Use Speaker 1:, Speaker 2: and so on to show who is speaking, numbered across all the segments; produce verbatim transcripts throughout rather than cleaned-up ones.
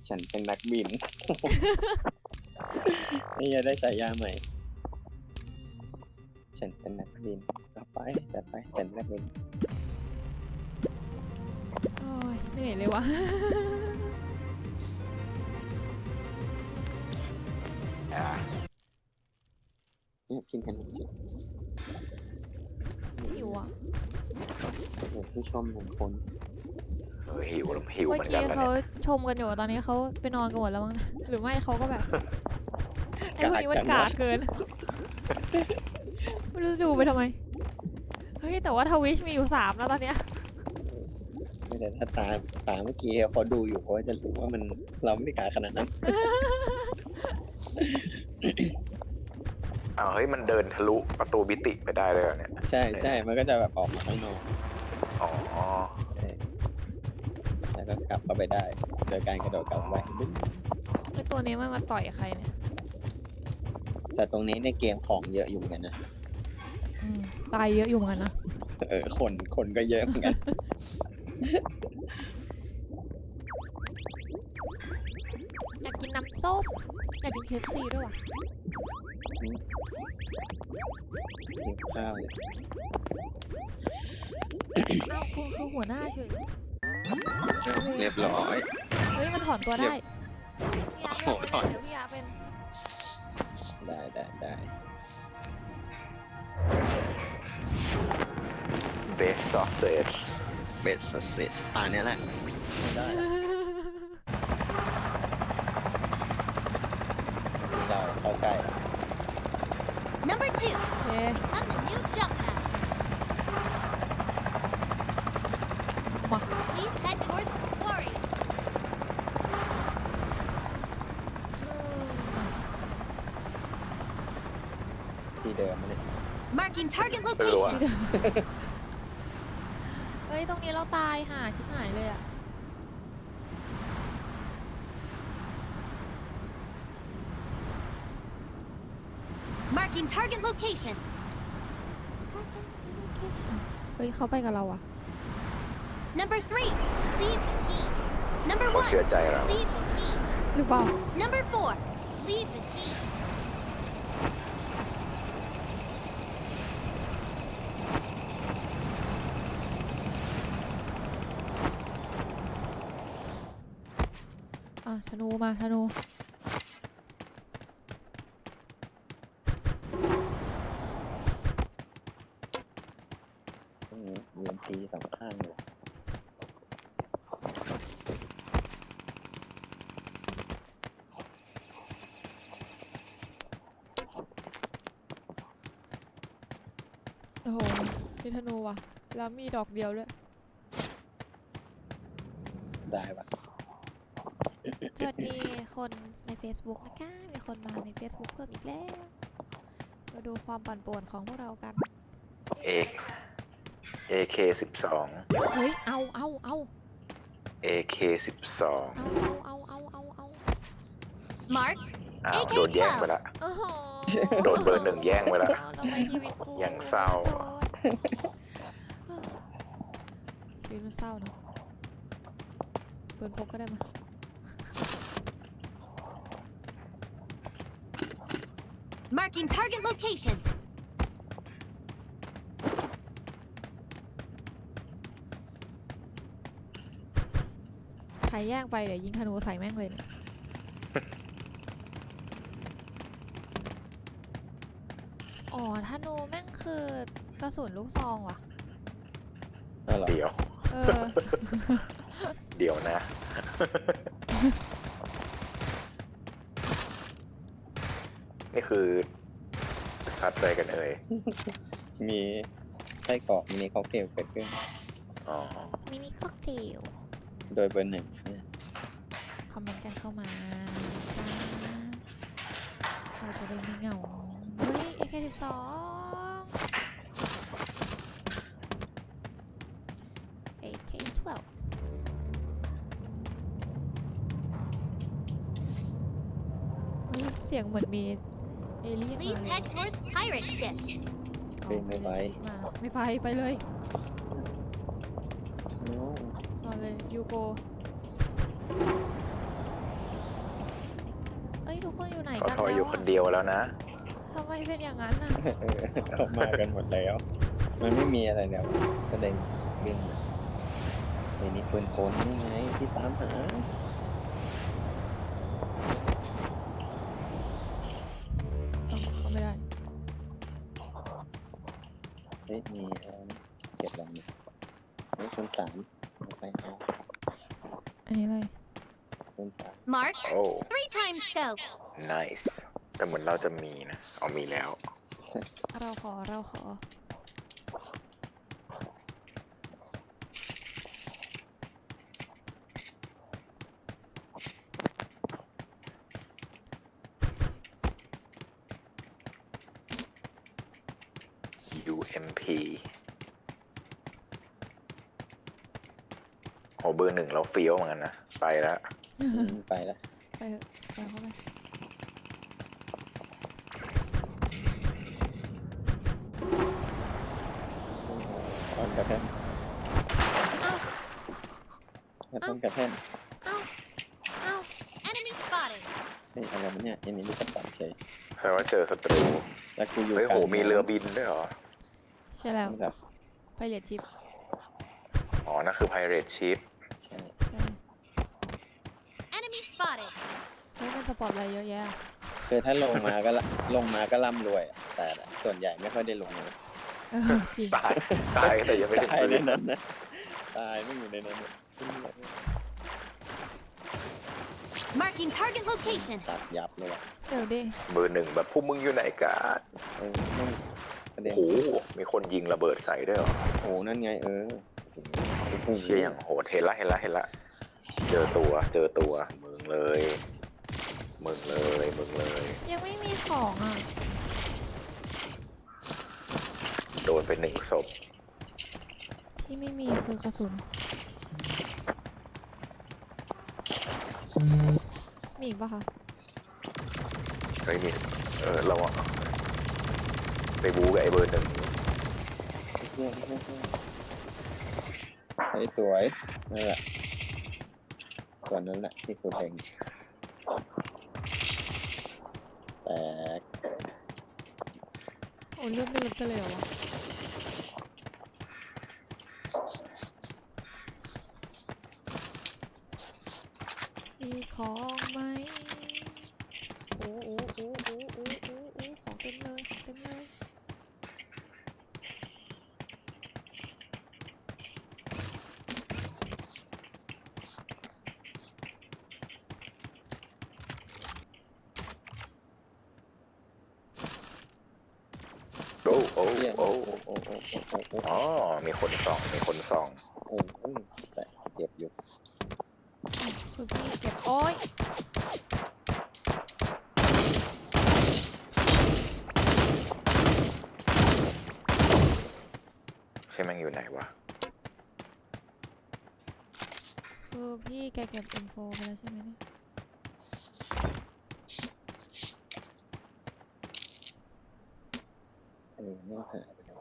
Speaker 1: ฉันเป็นนักบิน นี่จะได้ฉายาใหม่ฉันเป็นนักบินต่อไปจัดไปฉันเป็นนักบิน
Speaker 2: โอ้ยเหนื่อยเลยวะ
Speaker 3: อ่า
Speaker 1: เนี่ยกินขนมจีบ
Speaker 2: หิวอ่ะ
Speaker 1: โอ้โหผู้ชมหนึ่งคน
Speaker 3: เออหิวหิว
Speaker 2: เมื่
Speaker 3: เห
Speaker 2: อ
Speaker 3: มือนกั
Speaker 2: กี้
Speaker 3: นแล้ว
Speaker 2: เขา
Speaker 3: เนี่ย
Speaker 2: ชมกันอยู่ตอนนี้เขาไปนอนกันหมดแล้วมั้งนะหรือไม่เขาก็แบบ ไอ้พวกนี้มันกากเกิน ไม่รู้จะดูไปทำไม เฮ้ยแต่ว่าทวิชมีอยู่สามแล้วตอนเนี้ย
Speaker 1: ไม่แต่ถ้าตาตาเมื่อกี้เขาดูอยู่เขาจะรู้ว่ามันเราไม่ได้กาขนาดนั้น
Speaker 3: อ้าวเฮ้ยมันเดินทะลุประตูบิติไปได้เลยเหรอเนี่ย
Speaker 1: ใช่ใช่มันก็จะแบบออกมาข้างนอก
Speaker 3: อ๋อ
Speaker 1: แล้วก็กลับเข้าไปได้โดยการกระโดดกลับไป
Speaker 2: ไอ้ตัวนี้มันมาต่อยใครเนี่ย
Speaker 1: แต่ตรงนี้ในเกมของเยอะอยู่เหมือนกันนะ
Speaker 2: อืมตายเยอะอยู่เหมือนกันนะ
Speaker 1: เออคนคนก็เยอะเหมือนกัน
Speaker 2: อยากกินน้ำส้มอยากกินเคฟซีด้วยว่ะ
Speaker 1: หิวข้าวเลย
Speaker 2: อ้าวคุณคือหัวหน้าเฉย
Speaker 1: เรียบร้อย
Speaker 2: เฮ้ยมันถอนตัวได้
Speaker 1: โอ้โหถอน
Speaker 2: เดี๋ยวพี่อาเป็น
Speaker 1: ได้ได้ได้
Speaker 3: เบสซอสเซจ
Speaker 1: เบสสเซสตาเนี้ยแหละไม่ได้เราเข้าใกล้
Speaker 4: Number two,
Speaker 2: โอเค
Speaker 4: become the new jump master.
Speaker 2: มา
Speaker 4: Please head towards Warrior.
Speaker 1: ที่เดิมมาเนี่ย
Speaker 4: Marking target
Speaker 3: ไม่รู้อะ
Speaker 4: location.
Speaker 2: เฮ้ยตรงนี้เราตายห่าชิบหายเลยอ่ะ
Speaker 4: Marking target location.
Speaker 2: เฮ้ยเขาไปกับเราอ่ะ
Speaker 4: Number three, leave the team. Number
Speaker 3: เขา
Speaker 4: one,
Speaker 3: เชื่อใจเรา
Speaker 4: leave the team.
Speaker 2: หรือเปล่า
Speaker 4: Number four, leave the team.
Speaker 2: อ่ะธนูมาธนู
Speaker 1: ตรงนี้ยูเอ็นทีสองข้างเลย
Speaker 2: โอ้โหมีธนูว่ะแล้วมีดอกเดียวด้วย
Speaker 1: ได้ปะ
Speaker 2: สวัสดีคนใน Facebook นะคะ มีคนมาใน Facebook เพิ่มอีกแล้ว มาดูความปั่นป่วนของพวกเรากัน
Speaker 3: เอเอเคสิบสอง
Speaker 2: เฮ้ย เอาเอาเอา
Speaker 3: เอเคสิบสอง
Speaker 2: เอาเอาเอาเอาเอา
Speaker 4: Mark,
Speaker 3: อ้าวโดนแย่งไปละ
Speaker 2: โอ้โห
Speaker 3: โดนเบอร์หนึ่งแย่งไปละ
Speaker 2: เอาทำไมชีวิตกู
Speaker 3: ยังเศร้า
Speaker 2: ชีวิตมันเศร้าเนอะเปิดพกก็ได้มา
Speaker 4: marking target location.
Speaker 2: ใครแย่งไปเดี๋ยวยิงธนูใส่แม่งเลยเนี่ยอ๋อธนูแม่งคือกระสุนลูกซองว่ะ
Speaker 1: เอาเหรอ
Speaker 3: เดี๋ยว
Speaker 2: เออ
Speaker 3: เดี๋ยวนะ นี่คือซัดอะไรกันเอ่ย
Speaker 1: มีไส้กรอกมินิค็อกเทลเกิดขึ้น
Speaker 3: อ๋อ
Speaker 2: มินิค็อกเทล
Speaker 1: โดยเบอร์หนึ่งเนี่ย
Speaker 2: คอมเมนต์กันเข้ามาจ้าเราจะได้ไม่เหงา เฮ้ย เอ เค สิบสอง เอ เค สิบสอง เฮ้ย เสียงเหมือนมีเอเลี่ยน
Speaker 4: Please
Speaker 2: มาเลย
Speaker 4: head towards pirate ship.
Speaker 1: เป็นไม่ไหว
Speaker 2: มาไม่ไปไปเลย
Speaker 1: โน้
Speaker 2: รอเลยยูโกอ้ยทุกคนอยู่ไหน
Speaker 3: เขา
Speaker 2: กัน
Speaker 3: ทอย
Speaker 2: แล้ว
Speaker 3: อยู่คนเดียวแล้วนะ
Speaker 2: ทำไมเป็นอย่างนั้นน่ะ
Speaker 1: เออเขามากันหมดแล้ว มันไม่มีอะไรแล้วก็เลยวิ่งมาไอ้นี่ปืนโคนนี่ไงที่ตามหา
Speaker 2: เขาไม่ได้
Speaker 1: เฮ้ยมีอะไรนะเก็บลำเนี่ยเฮ้ยคนสามเอาไปเอา
Speaker 2: อันนี้เลย
Speaker 1: คนสาม
Speaker 4: Mark.
Speaker 3: โอ้
Speaker 4: Three times scope.
Speaker 3: nice แต่เหมือนเราจะมีนะเอามีแล้ว
Speaker 2: เราขอเราขอ
Speaker 3: ยู เอ็ม พี โหเบอร์หนึ่งเราเฟี้ยวเหมือนกันนะ ไปแล้ว
Speaker 1: อืมไปแล้ว
Speaker 2: ไปเถอะไปเข้าไป
Speaker 1: ตอนกระแทก
Speaker 2: เอ้า
Speaker 1: แล้วต้นกระแทก
Speaker 2: เอ้า เอ้า
Speaker 4: Enemy spotted.
Speaker 1: เฮ้ยอะไรวะเนี่ยอันนี้มีกระป๋องเฉย
Speaker 3: แปลว่าเจอศัตรู
Speaker 1: แล้วกูอยู่
Speaker 3: เฮ้ย
Speaker 1: กลา
Speaker 3: โห
Speaker 1: ง
Speaker 3: มีเรือบินด้วยเหรอ
Speaker 2: ใช่แล้ว
Speaker 1: แบบ
Speaker 2: ไปเรียดชิป
Speaker 3: อ๋อ นั่นคือ Pirate Ship
Speaker 1: ใช่
Speaker 4: Enemy spotted.
Speaker 2: เฮ้ยมันสปอร์ตอะไรเยอะแยะ
Speaker 1: คือถ้าลงมาก็ละลงมาก็ร่ำรวยอะแต่ส่วนใหญ่ไม่ค่อยได้ลงเลย
Speaker 2: เออจริง
Speaker 3: ตาย ตายแต่ยังไม่ได้
Speaker 1: ตายใน
Speaker 3: ปืน
Speaker 1: นั้นนะตายไม่อยู่ในนั้นเลย
Speaker 4: Marking target location.
Speaker 1: ตัดยับเลยว่ะ
Speaker 2: เดี๋ยวดิ
Speaker 3: เบอร์หนึ่งแบบพวกมึงอยู่ไหนกัน
Speaker 1: เออไม่ประเด็น
Speaker 3: โอ้โห มีคนยิงระเบิดใส่ด้วยเหรอ
Speaker 1: โอ้นั่นไงเออโอ้โห
Speaker 3: เชี่ยอย่างโหดเห็นละเห็นละเห็นละ เจอตัว เจอตัว มึงเลย มึงเลย มึงเลย
Speaker 2: ยังไม่มีของอ่ะ
Speaker 3: โดนไปหนึ่งศพ
Speaker 2: ที่ไม่มีคือกระสุน มีอีกปะคะ
Speaker 3: เฮ้ยมีเออเราอะไปบู๊กับไอ้เบอร์หนึ่ง
Speaker 1: เฮ้ยเฮ้ยเฮ้ยเฮ้ยสวยนั่นแหละส่วนนั้นแหละที่กูเล็งแตก
Speaker 2: โอ้เลือดไม่ลดกันเลยเหรอวะมีของไหมโอ้โอ้โอ้โอ้โอ้โอ้โอ้ของเต็มเลยของเต็มเลย
Speaker 3: โอ้โอ้
Speaker 1: เฮีย
Speaker 3: โอ้
Speaker 1: โอ้โอ้โอ้โอ้โอ้โอ้
Speaker 3: อ๋อ มีคนส่อง มีคนส่อง
Speaker 1: โอ้โอ้แต่เจ็บอยู่
Speaker 2: คือพี่เก็บโอ้ย
Speaker 3: ใช่แม่งอยู่ไหนวะ
Speaker 2: คือพี่แกเก็บอินโฟไปแล้วใช่ไหมเนี่ย
Speaker 1: เออไม่หายไปแล้ว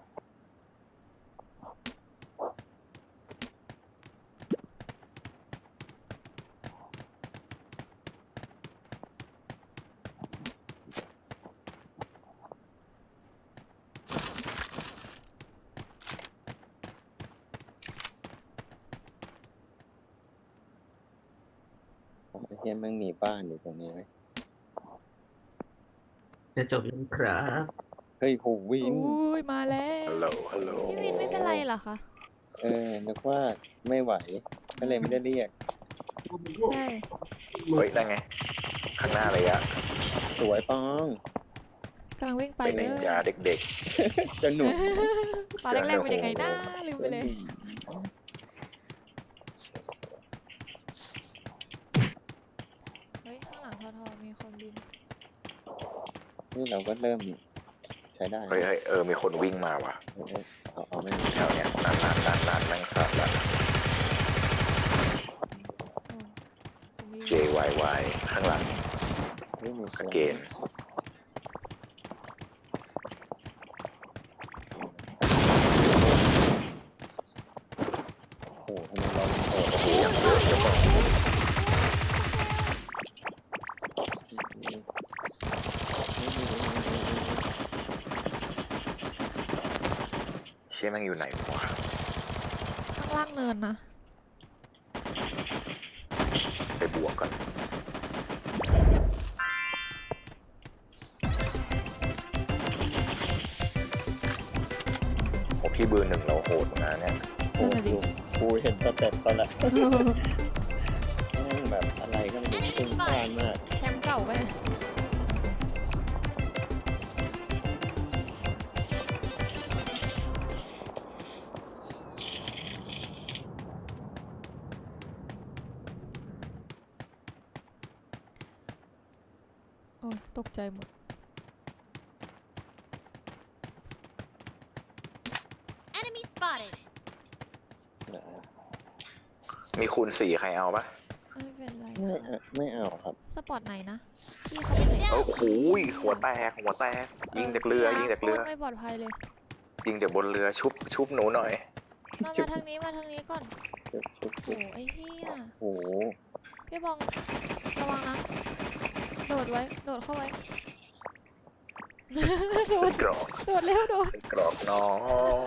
Speaker 1: ไอ้เฮียแม่งมีบ้านอยู่ตรงนี้ไหม
Speaker 5: จะจบยังครับ
Speaker 1: เฮ้ยโหวิน
Speaker 2: อุ้ยมาแล้
Speaker 3: ฮั
Speaker 2: ว
Speaker 3: ลโหล ฮัลโหล
Speaker 2: พี่วินไม่เป็นไรเหรอคะ
Speaker 1: เออนึกว่าไม่ไหว ก็เลยไม่ได้เรียก
Speaker 2: ใช่
Speaker 3: เฮ้ย นั่นไง ข้างหน้าเลยอะ
Speaker 1: สวยปอง
Speaker 2: กำลังวิ่งไป
Speaker 3: เป็น
Speaker 2: เล
Speaker 3: นิ
Speaker 2: ย
Speaker 3: นจาเด็ก
Speaker 1: จะหนุก
Speaker 2: ตอนแรกๆเป็นยังไงนะลืมไปเลย เฮ้ย ข้างหลังทอทอมีคนบิน
Speaker 1: นี่เราก็เริ่มใช้ได้
Speaker 3: ๆ เฮ้ยเฮ้ยเออ มีคนวิ่งมาว่ะ
Speaker 1: เออเอาเอาไม่
Speaker 3: แถวเนี้ยนานนานนานนานแม่งสัตว์ละ
Speaker 2: อืมกูมี
Speaker 3: J Y Y ข้างหลัง
Speaker 1: ไม่มี
Speaker 3: สเกน
Speaker 1: โอ้โหทำไมเราโอ้
Speaker 3: โอ้โหยังเยอะจะบอก
Speaker 1: โห
Speaker 3: แม่งอยู่ไหนวะ
Speaker 2: ข้างล่างเนินนะ
Speaker 3: ไปบวกก่อนโอ้พี่เบอร์หนึ่งเราโหดเหมือนกันเนี่ย
Speaker 1: โอ้โหกูเห็นสเต็ปเขาแล้วแม่งแบบอะไรก็ไม่รู้ตึงพลาดมาก
Speaker 2: แชมป์เก่าไปะโอ้ยตกใจหมด
Speaker 4: Enemy spotted.
Speaker 3: มีคูณสี่ใครเอาปะ
Speaker 2: ไม่เป็นไร
Speaker 1: ไม่
Speaker 2: ค่ะ
Speaker 1: เอาไม่เอาครับ
Speaker 2: สปอร์ตไหนนะพี่เขาไปไหน
Speaker 3: โอ้โหหัวแตกหัวแตกยิงจากเรือยิงจากเรือ
Speaker 2: โคตไม่ปลอดภัยเลย
Speaker 3: ยิงจากบนเรือชุบชุบหนูหน่อย
Speaker 2: มามาทางนี้มาทางนี้ก่อน
Speaker 1: ชุบชุบ
Speaker 2: โอ้
Speaker 1: ชุบ
Speaker 2: ไอ้เหี้ย
Speaker 1: โอ้โห
Speaker 2: พี่บองระวังนะ โดดไว้ โดดเข้าไว้ โดด
Speaker 3: กรอก
Speaker 2: โดดเร็วโดด
Speaker 3: กรอกน้อง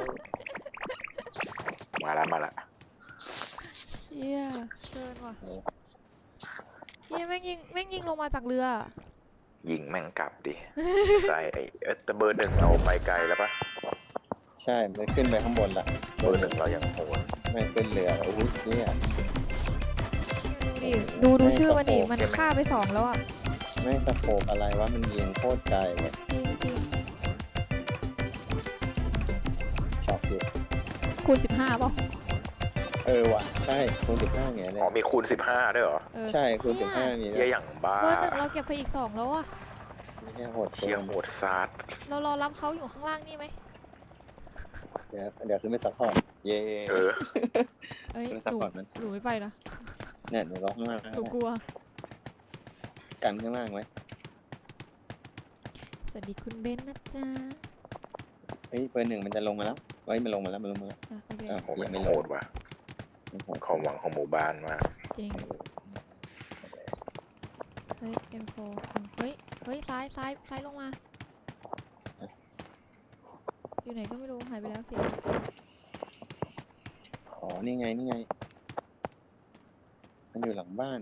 Speaker 3: มาละมาละ
Speaker 2: เหี้ยเกินว่ะเหี้ยแม่งยิงแม่งยิงลงมาจากเรือ
Speaker 3: ยิงแม่งกลับดิใส่ไอ้เอ๊ะแต่เบอร์หนึ่งเราไปไกลแล้วปะ
Speaker 1: ใช่มันขึ้นไปข้างบนละ
Speaker 3: เบอร์หนึ่งเรายังโหด
Speaker 1: ไม่ขึ้นเรือโอ้ยเนี่ย
Speaker 2: ดูดิ ดูดูชื่อมันดิ มันฆ่าไปสองแล้วอ่ะ
Speaker 1: ไม่สะโขบอะไรวะมันยิงโคตรไกลเลย
Speaker 2: จริงจริง
Speaker 1: ช็อกอยู่
Speaker 2: คูณสิบห้าป่ะ
Speaker 1: เออว่ะใช่คูณสิบห้าไงเล
Speaker 3: อ๋อย มีคูณสิบห้าด้วยเหรอ
Speaker 2: เออ
Speaker 1: ใช่คูณสิบห้ามี
Speaker 3: เฮียอย่างบ้า
Speaker 2: เบอร์หนึ่งเราเก็บไปอีกสองแล้วอ่ะ
Speaker 1: ไม่ใช่โหด
Speaker 3: เฮียโหดซาด
Speaker 2: เรารอรับเขาอยู่ข้างล่างนี่ไหม
Speaker 1: เดี๋ยวเดี๋ยวขึ้นไปซัพพอร์ตเย้
Speaker 3: เออ
Speaker 2: เอ้ย
Speaker 1: ขึ้น
Speaker 2: ห
Speaker 1: ซัพ
Speaker 2: นู
Speaker 1: พอร์ตมัน
Speaker 2: หนูไม่ไปนะ
Speaker 1: เนี่ยหนูรอข้างล่าง
Speaker 2: หนูกลัว
Speaker 1: กันข้างล่างไว้
Speaker 2: สวัสดีคุณเบนซ์นะจ๊ะ
Speaker 1: เฮ้ยเบอร์หนึ่งมันจะลงมาแล้วเฮ้ยมันลงมาแล้วมันลงมาแล้ว
Speaker 2: อ่ะโอเค
Speaker 1: อ่ะ
Speaker 3: โอ้
Speaker 1: ยัง
Speaker 3: ไม่
Speaker 1: ไม่
Speaker 3: โห
Speaker 1: ลง
Speaker 3: ดว่ะ
Speaker 1: ไม่โหด
Speaker 3: ความหวังของหมู่บ้านมาก
Speaker 2: จริง เฮ้ย เอ็มโฟ เฮ้ย เฮ้ย ซ้าย ซ้าย ซ้ายลงมา อยู่ไหนก็ไม่รู้ หายไปแล้วสิ
Speaker 1: อ๋อนี่ไงนี่ไง มันอยู่หลังบ้าน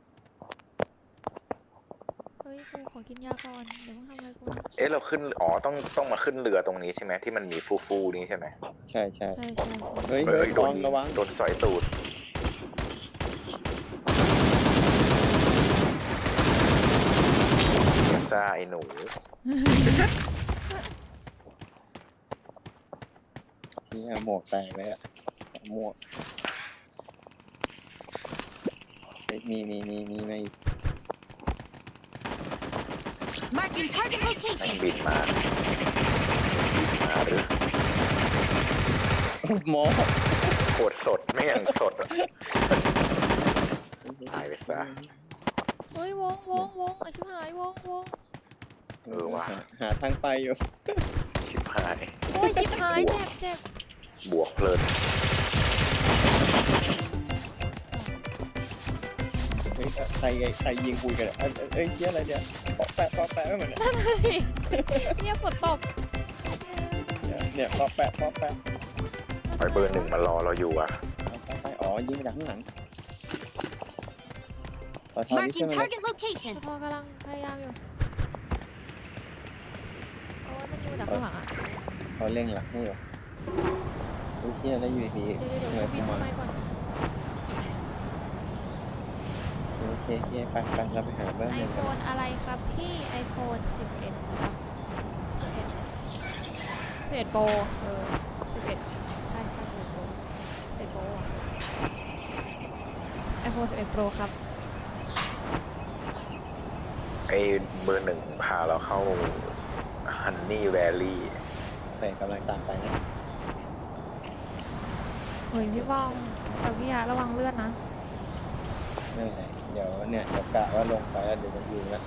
Speaker 2: เฮ้ยกูขอกินยาก่อน เดี๋ยวมึงทำอะไรกูนะ
Speaker 3: เอ๊ะเราขึ้นอ๋อต้องต้องมาขึ้นเรือตรงนี้ใช่ไหมที่มันมีฟูฟูๆนี้ใช่ไหม
Speaker 1: ใช่ใช่
Speaker 2: ใช่ใช่ใช่
Speaker 1: เฮ้ย
Speaker 3: เอ
Speaker 1: เฮ้
Speaker 3: อย โด
Speaker 1: ระ
Speaker 3: น
Speaker 1: วังระวัง
Speaker 3: โดนสอยตูดเอซ่าไอ้หนู
Speaker 1: ที่เอาหมวกแตกเลยอะหมวกเฮ้ยมีมีมีมีมาอีก
Speaker 4: Marking target
Speaker 3: แม่ง
Speaker 4: location.
Speaker 3: บินมาบินมาหรือ
Speaker 1: หมอ
Speaker 3: โคตรสดไม่งยังสดอะตายไปซะ
Speaker 2: เฮ้ย วงวงวงอาชิบหายวงวง
Speaker 3: เออว่ะ
Speaker 1: หาหาทางไปอยู่
Speaker 3: ชิบหาย
Speaker 2: โอ้ยชิบหายเจ็บเจ็บบ
Speaker 3: วกเพลิน
Speaker 1: เฮ้ยใครใครยิงคุยกันเนี่ยเอ้ยเอ้ยเอ้ยเชี่ยอะไรเนี่ยปอกแปะปอกแปะไม่เหมือนเนี่ย
Speaker 2: นั่นน่ะสิเนี่ยฝนตก
Speaker 1: เนี่ยเนี่ยปอกแปะปอกแปะ
Speaker 3: ไอ้เบอร์หนึ่งมารอเราอยู่อ่ะ
Speaker 1: เอาไปไปอ๋อยิงมาจากข้างหลังขอทอนี่
Speaker 4: Marking
Speaker 1: ใช่ไหม
Speaker 4: target location.
Speaker 2: พอกำลังพยายามอยู่ โอ้ยมันยิงมาจากข้างหลังอ่ะ
Speaker 1: เขาเร่งหลังให้อยู่เฮ้ยเชี่ยแล้วอยู่ดี
Speaker 2: เดี๋ยวเดี๋ยว
Speaker 1: เห
Speaker 2: เดี๋
Speaker 1: นื่
Speaker 2: ย
Speaker 1: อ
Speaker 2: วย พี่
Speaker 1: ขึ้น
Speaker 2: ทำ
Speaker 1: มา
Speaker 2: ไมก่อน
Speaker 1: โอเคโอเคไปไปเราไปหาเบอร์
Speaker 2: ไอ
Speaker 1: หนึ่ง
Speaker 2: โฟนอะไรครับพี่ ไอโฟนสิบเอ็ดครับสิบเอ็ดสิบเอ็ดโปรเออสิบเอ็ดใช่ใช่สิบเอ็ดโปรสิบเอ็ดโปรไอโฟนสิบเอ็ดโปรครับ
Speaker 3: ไอ้เบอร์หนึ่งพาเราเข้าฮันนี่แวลลี่
Speaker 1: แต่กำลังตามไปนะ
Speaker 2: เฮ้ยพี่บ้องกับพี่ยาระวังเลือดนะ
Speaker 1: ไม่เป็นไรเดี๋ยวเนี่ยเดี๋ยวกะว่าลงไปแล้วเดี๋ยวจะยิงแล้ว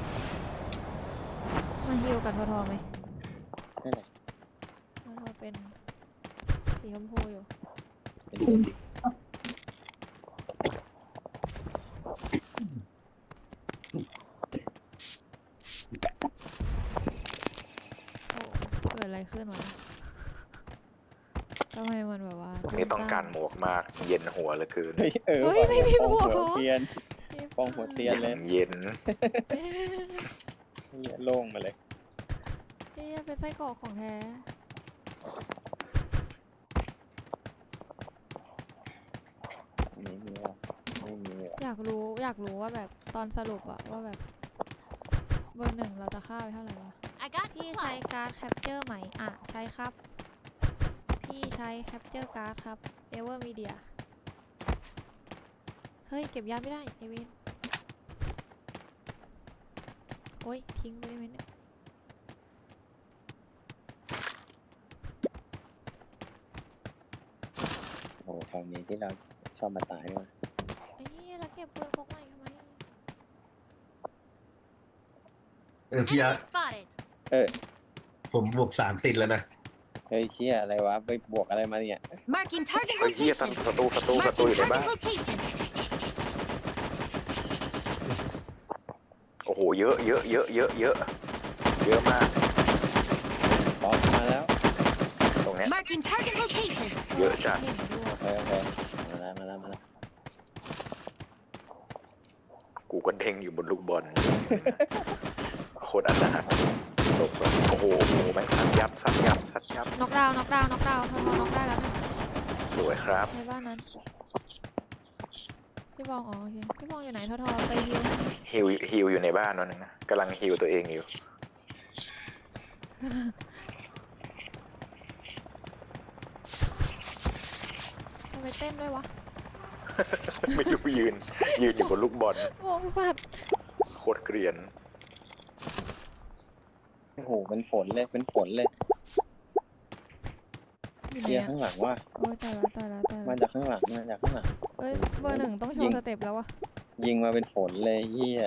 Speaker 2: มาฮิวกับทอทอไหม
Speaker 1: ไม่เป็นไร
Speaker 2: ทอทอเป็นสีชมพูอยู่
Speaker 1: เป็นคนดี
Speaker 2: โอ้เกิดอะไรขึ้นวะ
Speaker 3: ต้องการหมวกมาก เย็นหัวเหลือเกิน
Speaker 1: เฮ้ยเออ
Speaker 2: เฮ้ย
Speaker 1: ว่ะ
Speaker 2: ไม่มี
Speaker 1: ปอง
Speaker 2: หมวก
Speaker 1: หั
Speaker 2: เหรอ
Speaker 1: เทียน ปองหัวเตียน
Speaker 3: อย่างเย็น
Speaker 1: เหี้ยโล่งมาเลย
Speaker 2: เฮ้ยเป็นไส้กรอกของแท้
Speaker 1: ไม่มีหรอกไม่มีหรอก
Speaker 2: อยากรู้อยากรู้ว่าแบบตอนสรุปอะว่าแบบเบอร์หนึ่งเราจะฆ่าไปเท่าไหร่วะ
Speaker 4: I got
Speaker 2: พี่ใช้
Speaker 4: supplies.
Speaker 2: การ์ดแคปเจอร์ไหมอ่ะใช้ครับ พี่ใช้แคปเจอร์การ์ดครับเอเวอร์มีเดียเฮ้ยเก็บยาไม่ได้เอเวนโอ้ยทิ้งไปได้ไหมเนี่ย
Speaker 1: โอ้โหตอนนี้ที่เราชอบมาตายด้วย
Speaker 2: ไอ้เหี้ยแล้วเก็บปืนพกใหม่ทำไม
Speaker 5: เออพี่อาร์
Speaker 4: Enemy spotted.
Speaker 1: เออ
Speaker 5: ผมบวกสามติดแล้วนะ
Speaker 1: เฮ้ยเชี่ยอะไรวะ ไปบวกอะไรมาเนี่ย
Speaker 4: Marking target
Speaker 3: เฮ้ยเฮีย
Speaker 4: location.
Speaker 3: ศัตรูศัตรูศัตรู
Speaker 4: Marking
Speaker 3: อยู่ในบ้าน
Speaker 4: target location.
Speaker 3: โอ้โห เยอะเยอะเยอะเยอะเยอะเยอะมาก
Speaker 1: ตอนมาแล้ว
Speaker 3: ตรงเนี้ย
Speaker 4: Marking target location.
Speaker 3: เยอะจัด
Speaker 2: เห็นด้วย
Speaker 1: โอเคโอเคมาแล้วมาแล้วมาแล้ว
Speaker 3: กูก็เด้งอยู่บนลูกบอล โคตรอนาถตกแบบโอ้โหโอ้โหแม่งสัดยับสัดยับสัดยับ
Speaker 2: น็อกดาวน์น็อกดาวน์น็อกดาวน์ทอทอน็อกได้แล้วนะ
Speaker 3: สวยครับ
Speaker 2: ในบ้านนั้นพี่บองอ๋อโอเคพี่บองอยู่ไหนทอทอไปฮิว
Speaker 3: ฮิวฮิวอยู่ในบ้านนั่นนะกำลังฮิวตัวเองอยู่
Speaker 2: ทำไมเต้นด้วยวะ
Speaker 3: ไม่รู้ยืน ยืนอยู่บนลูกบอล
Speaker 2: งงสัตว์
Speaker 3: โคตรเกรียน
Speaker 1: โอ้โหเป็นฝนเลยเป็นฝนเลย
Speaker 2: อยู่
Speaker 1: เชี่ย
Speaker 2: ไหน
Speaker 1: ข้า
Speaker 2: อะ
Speaker 1: งหลังว่ะ
Speaker 2: โอ้ยตายแล้วตายแล้วตาย
Speaker 1: มา
Speaker 2: แล้ว
Speaker 1: จากข้างหลังมาจากข้างหลัง
Speaker 2: เอ้ยเบอร์หนึ่งต้องโช
Speaker 1: ยิ
Speaker 2: ว์
Speaker 1: ง
Speaker 2: สเต็ปแล้ววะ
Speaker 1: ยิงมาเป็นฝนเลยเฮีย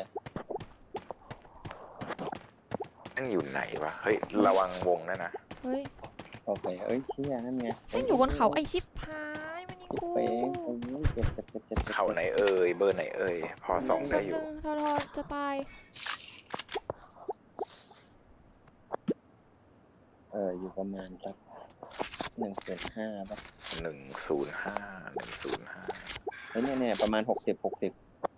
Speaker 3: นั่งอยู่ไหนวะ เฮ้ย ระวังวงนะนะ
Speaker 2: เฮ้ย
Speaker 1: โอเคเอ้ยเชี่ยนั่นไง
Speaker 2: แม่งอยู่บนเขาไอชิปพายมันยิง
Speaker 1: จิ๊บ
Speaker 2: กู
Speaker 1: เป้งโอ้ยเจ็บเจ็บเจ็บเจ็บ
Speaker 3: เขาไหนเอ่ย เบอร์ไหนเอ่ย พอส่องได้อยู่
Speaker 2: แป๊บนึงทอทอจะตาย
Speaker 1: เอออยู่ประมาณสักหนึ่งส่วนห้าป่ะ
Speaker 3: หนึ่งศูนย์ห้า หนึ่งศูนย์ห้า
Speaker 1: เฮ้ยเนี่ยเนี่ยประมาณหกสิบหกสิบ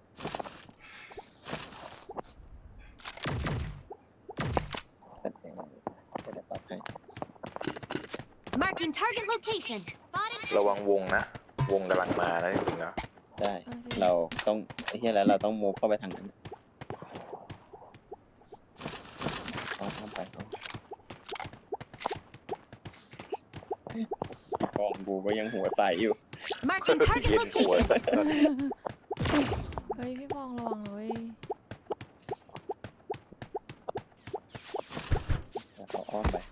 Speaker 1: เสร็จแล้วจะได้ปลอดภัย
Speaker 4: Marking target location. Spotted.
Speaker 3: ระวังวงนะ วงกำลังมานะจริงๆแล้ว
Speaker 1: ใช่เราต้องไอ้เฮียแล้วเราต้องมูฟเข้าไปทางนั้นเอาเข้าไปเอาพี่กองบูก็ยังหัวใสอยู่
Speaker 4: Marking target
Speaker 3: เย็นหัว
Speaker 4: location.
Speaker 2: เฮ้ยพี่บองระวังเลย
Speaker 1: แล้วเขาอ้อมไป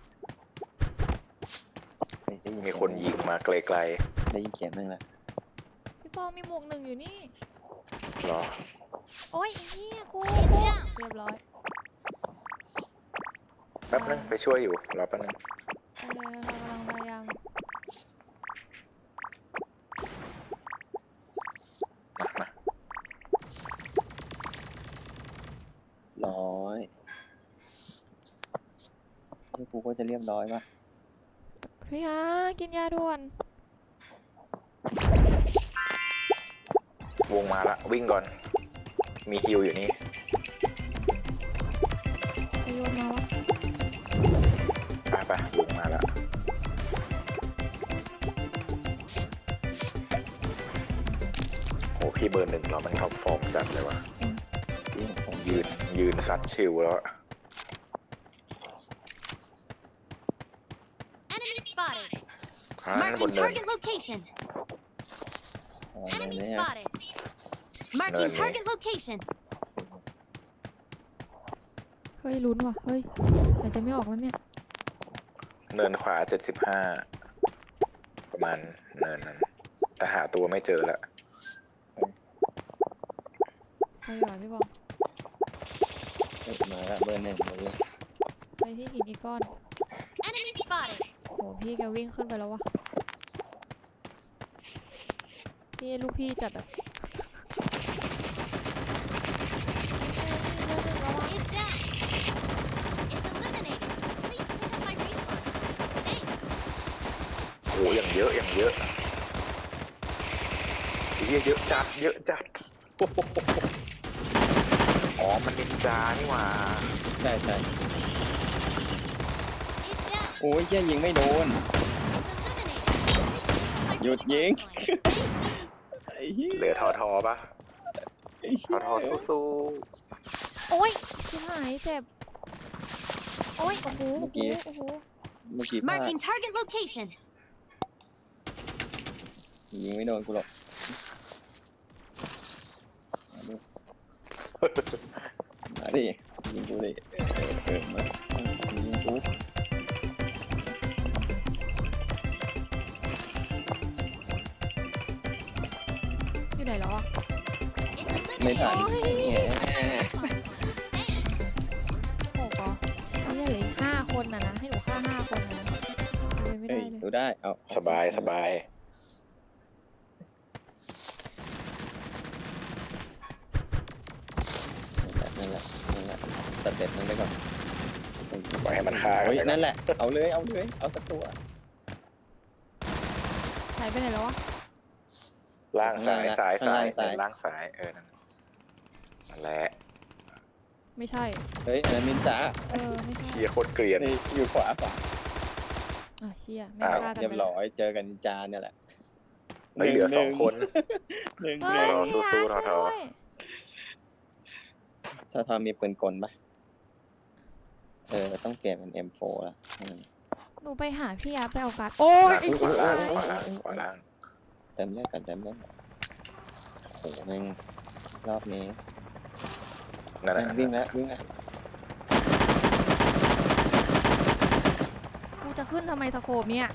Speaker 1: เฮ้ยได้ยิ
Speaker 3: มีคนยิงมาไกล
Speaker 1: ได้ยินเสียงนั่งแล้ว
Speaker 2: พี่บองมีหมวกหนึ่งอยู่นี่
Speaker 3: ๆรอ
Speaker 2: โอ้ยไอ้เหี้ยกูกูเรียบร้อย
Speaker 3: แป๊บนึงไปช่วยอยู่ รอแป๊บนึง
Speaker 2: เออเรากำลังพยายาม
Speaker 3: มามา
Speaker 1: ร้อยนี่กูก็จะเรียบร้อยป่ะ
Speaker 2: พี่ฮะกินยาด่วน
Speaker 3: วงมาละ วิ่งก่อน มีฮิวอยู่นี่
Speaker 2: ไปโยนมาวะ
Speaker 3: ไปไปวงมาละโอ้พี่เบอร์หนึ่งเรามันท็อปฟอร์มจัดเลยวะ
Speaker 1: ที่ผม
Speaker 3: ยืน ยืนซัดชิวแล้วอะ
Speaker 4: Enemy spotted.
Speaker 3: อ่าบน
Speaker 4: Marking
Speaker 3: เนิน
Speaker 4: target location.
Speaker 1: อะไร
Speaker 4: Enemy
Speaker 1: เนี่ย
Speaker 4: spotted. Marking
Speaker 3: Nani.
Speaker 4: target location.
Speaker 2: เฮ้ยลุ้นว่ะเฮ้ยอาจจะไม่ออกแล้วเนี่ย
Speaker 3: เนินขวาเจ็ดสิบห้า ประมาณเนินนั้น แต่หาตัวไม่เจอละ
Speaker 2: ไปดีกว่าพี่บอง
Speaker 1: เฮ้ยมาแล้วเบอร์หนึ่งมาเลย
Speaker 2: ไปที่หินอีกก้อน
Speaker 4: Enemy spotted.
Speaker 2: โหพี่แกวิ่งขึ้นไปแล้ววะนี่ลูกพี่จัดอะ
Speaker 4: It's down. It's eliminated. Please pick up my respawn. Thanks.
Speaker 3: โอ้อย่างเยอะอย่างเยอะเยอะเยอะจัดเยอะจัดอ๋อมันนินจานี่หว่า
Speaker 1: ใช่ใช่
Speaker 4: It's down.
Speaker 1: โอ้ยเหี้ยยิงไม่โดน
Speaker 4: It's eliminated. My
Speaker 1: You're
Speaker 4: respawn
Speaker 1: ying.
Speaker 4: point.
Speaker 1: ไอ้เหี้ย
Speaker 3: เหลือทอทอปะ
Speaker 1: ไอ้
Speaker 3: ท
Speaker 1: เหี้
Speaker 3: อย ทอสู้
Speaker 2: โอ้ยชิบหายเจ็บ โอ้ย โอ้โห โอ้โห โอ้โห
Speaker 1: เมื่อกี้พลาด
Speaker 4: Marking target location.
Speaker 1: ยิงไม่โดนกูหรอกมาดิยิงกูดิเออเออมายิงกู
Speaker 2: อยู่ไหนแล้วอ่ะ
Speaker 4: It's
Speaker 1: ไม่ทัน
Speaker 4: eliminated.
Speaker 1: แหม
Speaker 4: My respawn point. Thanks.
Speaker 2: โอ้โหนี่เหลืออีกห้าคนนะนะ ให้หนูฆ่าห้าคนนะเลยไม่
Speaker 1: เฮ้
Speaker 2: ได้
Speaker 1: ย
Speaker 2: เลย
Speaker 1: ดูได้เอา
Speaker 3: ๆสบายสบาย
Speaker 1: นั่นแหละนั่นแหละสเต็ปนั้นไปก่อน
Speaker 3: ปล่อยให้มันฆ่ากั
Speaker 1: เฮ้ย
Speaker 3: ไป
Speaker 1: นั่นแหละเอาเลยเอาเลยเอาสักตัว
Speaker 2: หายไปไหนแล้ววะ
Speaker 3: ล่างซ้ายซ้ายซ้าย
Speaker 1: ซ้าย
Speaker 3: ล่างซ้ายเออนั่นนั่นแหละ
Speaker 2: ไม่ใช่
Speaker 1: เฮ้ยอันนั้นนินจา
Speaker 2: เออ ไม่ใช่
Speaker 3: เชียโคตรเกลียน
Speaker 1: นี่อยู่ขวาขวา
Speaker 2: อ่ะเชี่ยไม่
Speaker 3: อ้าว
Speaker 2: ฆ่ากัน
Speaker 1: เรียบ
Speaker 2: ไปแล้ว
Speaker 1: ร้อยเจอกันนินจาเนี่ยแหละ
Speaker 3: ไม่เหลือสองคน
Speaker 1: หนึ่ง
Speaker 2: เฮ้
Speaker 1: ห
Speaker 2: ย
Speaker 1: นึ่ง
Speaker 3: รอสู้
Speaker 2: พี่
Speaker 3: ๆ
Speaker 2: อาร์ต
Speaker 3: ทอๆ
Speaker 2: ช่วยด้วย
Speaker 1: ถ้าทอมีปืนกลปะเออต้องเปลี่ยนเป็น เอ็ม โฟร์ ละอืม
Speaker 2: หนูไปหาพี่อาร์ตไปเอาการ์ดโอ้ยไอ้
Speaker 3: ขวาล่าง
Speaker 2: โอ้
Speaker 3: ขวาย ล่างขวาล่าง
Speaker 1: เต็มเลือดกันเต็มเลือดโอ้โหแม่งรอบนี้
Speaker 3: นั่น
Speaker 1: แม่ง
Speaker 3: น่ะ
Speaker 1: วิ่งแล้ววิ่งแล้ว
Speaker 2: กูจะขึ้นทำไมสโคปเนี่ย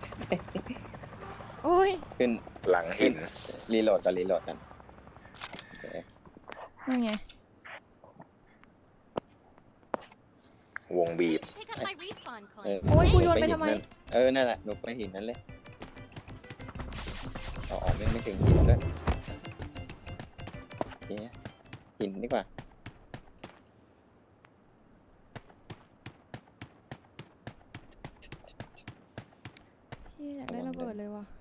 Speaker 2: โอ้ย
Speaker 1: ขึ้น
Speaker 3: หลังหิน
Speaker 1: รีโหลดกันรีโหลดกันโอเค
Speaker 2: นั่นไง
Speaker 3: วงบีบ
Speaker 4: Pick up my respawn
Speaker 1: เออ
Speaker 4: coin.
Speaker 2: โอ้ยกู
Speaker 1: ห
Speaker 2: โยนไป
Speaker 1: หิ
Speaker 2: ทำไม
Speaker 1: นั่นเออนั่นแหละหนูไปหินนั่นเลยเอาออกไม่ไม่ถึงหินด้วยโอเคหินดีกว่า
Speaker 2: พี่อยากได้ระเบิดเลยว่ะ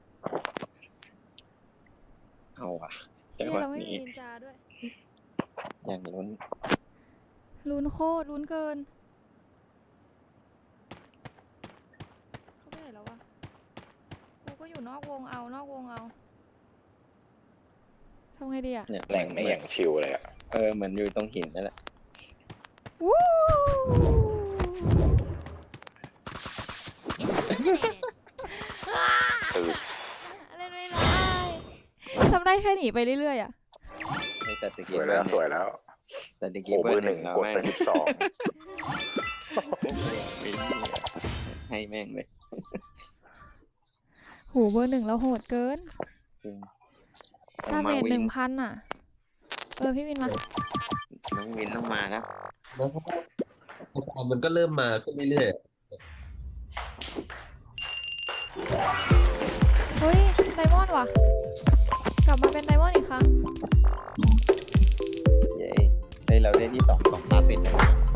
Speaker 1: เอาว่ะจั
Speaker 2: พี่
Speaker 1: งหวะ
Speaker 2: เราไม่มี
Speaker 1: นี้
Speaker 2: นินจาด้วย
Speaker 1: อย่างนู้น
Speaker 2: ลุ้นโคตรลุ้นเกิน เขาไปไหนแล้ววะ กูก็อยู่นอกวงเอา นอกวงเอาทำไงดีอ่ะ
Speaker 1: เนี่ย
Speaker 3: แหล่งไม่อย่างชิวเลยอะ
Speaker 1: เออเหมือนอยู่ตรงหินนั่นแหละ
Speaker 2: วู้
Speaker 4: It's eliminated.
Speaker 3: คือ
Speaker 2: เล่นไม่ได้ทำได้แค่หนีไปเรื่อยๆอ่ะ
Speaker 1: เฮ้ยแต่ตะ
Speaker 3: ส
Speaker 1: กี้
Speaker 3: วยแล้วสวยแล้ว
Speaker 1: แต่ตะ
Speaker 3: โอ้
Speaker 1: กี้
Speaker 3: เบอร์หนึ่ง
Speaker 1: แล้ว
Speaker 3: กด
Speaker 1: แม่ง
Speaker 3: ไปสิบสอง
Speaker 1: ให้แม่งเลย
Speaker 2: หูเบอร์หนึ่งเราโหดเกิน
Speaker 1: จริง
Speaker 2: ดาเมจห
Speaker 1: วิ
Speaker 2: นึ่งพันอ่ะ เออ พี่วินมา
Speaker 1: น้องวินต้องมาแล้ว
Speaker 5: แล้วก็มันก็เริ่มมาขึ้นเรื่อย
Speaker 2: เฮ้ย ไดมอนด์ว่ะ กลับมาเป็นไดมอนด์อีกครั้ง
Speaker 1: เย้เฮ้ยเราได้ที่สองสองตาติดเลย